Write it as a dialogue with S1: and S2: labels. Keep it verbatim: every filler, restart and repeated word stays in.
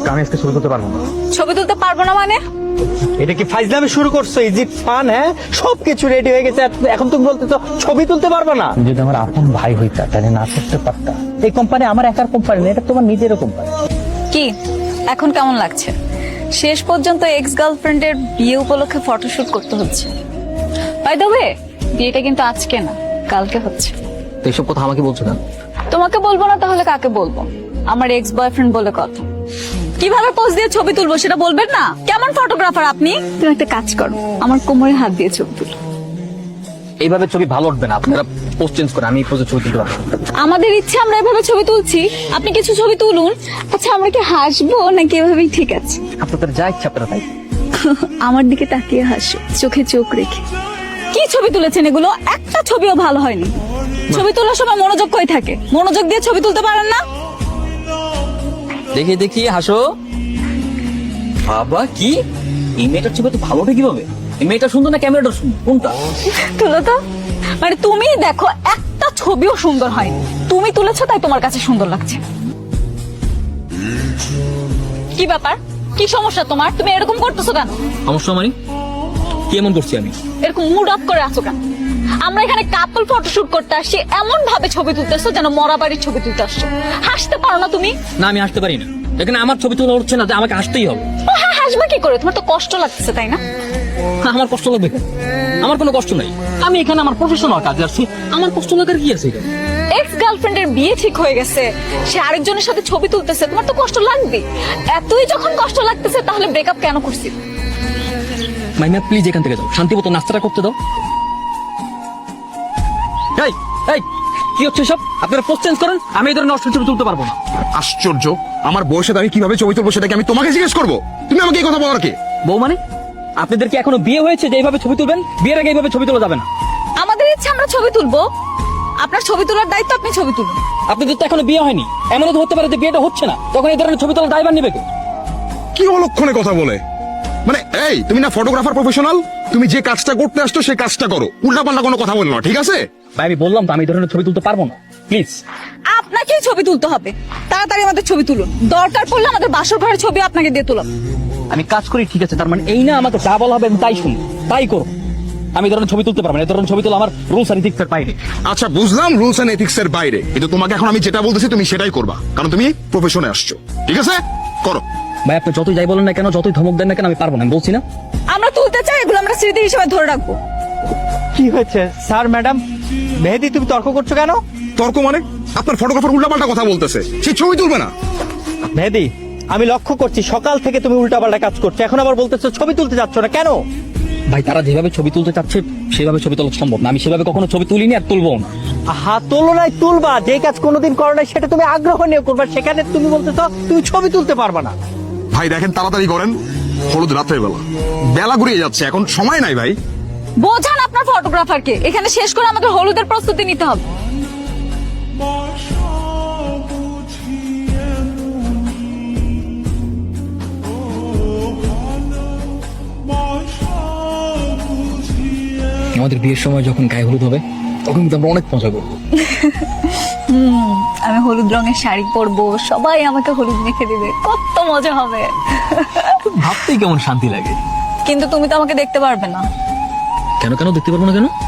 S1: আমি আজকে ছবি তুলতে পারবো না।
S2: ছবি তুলতে পারবো না মানে?
S1: এটা কি ফাইজলামি শুরু করছো? Is it fun? হ্যাঁ, সবকিছু রেডি হয়ে গেছে, এখন তুমি বলতেছো ছবি তুলতে পারবে না? যদি আমার আপন ভাই হইতা তাহলে না করতে পারতা। এই কোম্পানি আমার একার কোম্পানি না, এটা তোমার নিজেরও কোম্পানি।
S2: কি এখন কেমন লাগছে? শেষ পর্যন্ত এক্স গার্লফ্রেন্ডের বিয়ে উপলক্ষে ফটোশুট করতে হচ্ছে। বাই দ্য ওয়ে, বিয়েটা কিন্তু আজকে না, কালকে হচ্ছে।
S3: তো এইসব কথা আমাকে বলছো কেন?
S2: তোমাকে বলবো না তাহলে কাকে বলবো? আমার এক্স বয়ফ্রেন্ড বলে কথা। কিভাবে পোজ দিয়ে ছবি তুলবো সেটা বলবেন না? কেমন ফটোগ্রাফার আপনি? তুমি একটা কাজ করো, আমার কোমরে হাত দিয়ে ছবি তুলো।
S3: এইভাবে ছবি ভালো উঠবে না, আপনারা পোস্ট চেঞ্জ করে আমি এই পোজে ছবি তুলতে পারবো।
S2: আমাদের ইচ্ছে আমরা এভাবে ছবি তুলছি, আপনি কিছু ছবি তুলুন। আচ্ছা আমরা কি হাসবো নাকি এভাবেই ঠিক আছে?
S3: আপনাদের যা ইচ্ছা আপনারা তাই।
S2: আমার দিকে তাকিয়ে হাসো, চোখে চোখ রেখে। কি ছবি তুলেছেন এগুলো? একটা ছবিও ভালো হয়নি। ছবি তোলার সময় মনোযোগ কই থাকে? মনোযোগ দিয়ে ছবি তুলতে পারেন না?
S3: দেখি দেখি হাসো। বাবা কি এই মেয়েটার ছবি তো ভালো ওঠে কিভাবে? এই মেয়েটা সুন্দর না ক্যামেরাটা সুন্দর? কোনটা?
S2: তুলো তো। মানে তুমি দেখো একটা ছবিও সুন্দর হয়নি, তুমি তুলেছো তাই তোমার কাছে সুন্দর লাগছে। কি ব্যাপার? কি সমস্যা তোমার? তুমি এরকম করতেছো কেন?
S3: সমস্যা মানে কি এমন করছি আমি?
S2: এরকম মুড অফ করে আছো কেন? আমরা এখানে কাপল ফটোশুট করতে আসছি, এমন ভাবে ছবি তুলতেছো যেন মরা বাড়ির ছবি তুলতে আসছো। হাসতে পারো না তুমি?
S3: না আমি হাসতে পারি না, এখানে আমার ছবি তোলা উঠছে না যে আমাকে হাসতেই হবে।
S2: ও হ্যাঁ, হাসবে কি করে? তোমার তো কষ্ট লাগছে তাই না?
S3: আমার কষ্ট লাগবে কেন? আমার কোনো কষ্ট নাই, আমি এখানে আমার প্রফেশনাল কাজে আসছি, আমার কষ্ট লাগার কি আছে এখানে?
S2: এক্স গার্লফ্রেন্ডের বিয়ে ঠিক হয়ে গেছে, সে আরেকজনের সাথে ছবি তুলতেছে, তোমার তো কষ্ট লাগবে। এতই যখন কষ্ট লাগতেছে তাহলে ব্রেকআপ কেন করছি?
S3: মাইমা প্লিজ এখান থেকে যাও, শান্তি মতো নাস্তাটা করতে দাও। এই এই কি হচ্ছে সব? আপনারা পোস্ট চেঞ্জ করেন, আমি এই ধরনের নষ্ট ছবি তুলতে পারবো না।
S4: আশ্চর্য, আমার বউয়ের সাথে আমি কিভাবে ছবি তুলবো সেটা কি আমি তোমাকে জিজ্ঞেস করবো? তুমি আমাকে এই কথা বলার কে?
S3: বউ মানে? আপনাদের কি এখনো বিয়ে হয়েছে যে এইভাবে ছবি তুলবেন? বিয়ের আগে এইভাবে ছবি তোলা যাবে না।
S2: আমাদের ইচ্ছে আমরা ছবি তুলবো, আপনার ছবি তোলার দায়িত্ব আপনি ছবি তুলুন।
S3: আপনাদের তো এখনো বিয়ে হয়নি, এমনও তো হতে পারে যে বিয়েটা হচ্ছে না, তখন এই ধরনের ছবি তোলার দায়ভার নিবে কে?
S4: কি অলক্ষণে কথা বলে? মানে এই তুমি না ফটোগ্রাফার প্রফেশনাল, তুমি যে কাজটা করতে আসছো সেই কাজটা করো, উল্টাপাল্টা কোনো কথা বলো না, ঠিক আছে?
S3: ভাই আমি বললাম তো আমি এই ধরনের ছবি তুলতে পারবো না, প্লিজ।
S2: আপনাকেই ছবি তুলতে হবে, তাড়াতাড়ি আমাদের ছবি তুলুন। দরকার পড়লে আমাদের বাসর ঘরের ছবি আপনাকে দিয়ে তুলাম।
S3: আমি কাজ করি ঠিক আছে, তার মানে এই না আমাকে যা বলা হবে আমি তাই শুনি তাই করো। আমি এই ধরনের ছবি তুলতে পারবো না, এই ধরনের ছবি তোলা আমার রুলস আর ইথিক্স এর বাইরে।
S4: আচ্ছা বুঝলাম রুলস এন্ড এথিক্স এর বাইরে, কিন্তু তোমাকে এখন আমি যেটা বলতেছি তুমি সেটাই করবা, কারণ তুমি প্রফেশনে আসছো, ঠিক আছে? করো।
S3: ভাই আপনি যতই যাই বলেন না কেন, যতই ধমক দেন না কেন, আমি পারবো না, আমি বলছি না।
S2: আমরা তুলতে চাই, এগুলো আমরা স্মৃতি হিসেবে ধরে রাখবো।
S1: কি হয়েছে স্যার? ম্যাডাম মেহেদি, তুমি তর্ক করছো কেন?
S4: তর্ক মানে? আপনার ফটোগ্রাফার উল্টাপাল্টা কথা বলতেছে, সে ছবি তুলবে না।
S1: মেহেদি, আমি লক্ষ্য করছি সকাল থেকে তুমি উল্টাপাল্টা কাজ করছো, এখন আবার বলতেছো ছবি তুলতে যাচ্ছ না কেন?
S3: ভাই তারা যেভাবে ছবি তুলতে চাচ্ছে সেভাবে ছবি তোলা সম্ভব না, আমি সেভাবে কখনো ছবি তুলিনি আর তুলবো না।
S1: হাত তোলো নাই, তুলবা। যে কাজ কোনোদিন করো নাই সেটা তুমি আগ্রহ নিয়ে করবা, সেখানে তুমি বলতেছো তুমি ছবি তুলতে পারবা না।
S4: ভাই দেখেন তাড়াতাড়ি করেন, হলুদ রাতের বেলা, বেলা ঘুরিয়ে যাচ্ছে, এখন সময় নাই ভাই।
S2: বোঝান আপনার ফটোগ্রাফারকে, এখানে শেষ করে আমাদের হলুদের প্রস্তুতি নিতে হবে।
S3: আমাদের বিয়ের সময় যখন গায়ে হলুদ হবে তখন কিন্তু আমরা অনেক মজা করবো।
S2: আমি হলুদ রঙের শাড়ি পরবো, সবাই আমাকে হলুদ মেখে দিবে, কত মজা হবে।
S3: ভাবতেই কেমন শান্তি লাগে।
S2: কিন্তু তুমি তো আমাকে দেখতে পারবে না।
S3: কেন কেন দেখতে পারবো না কেন?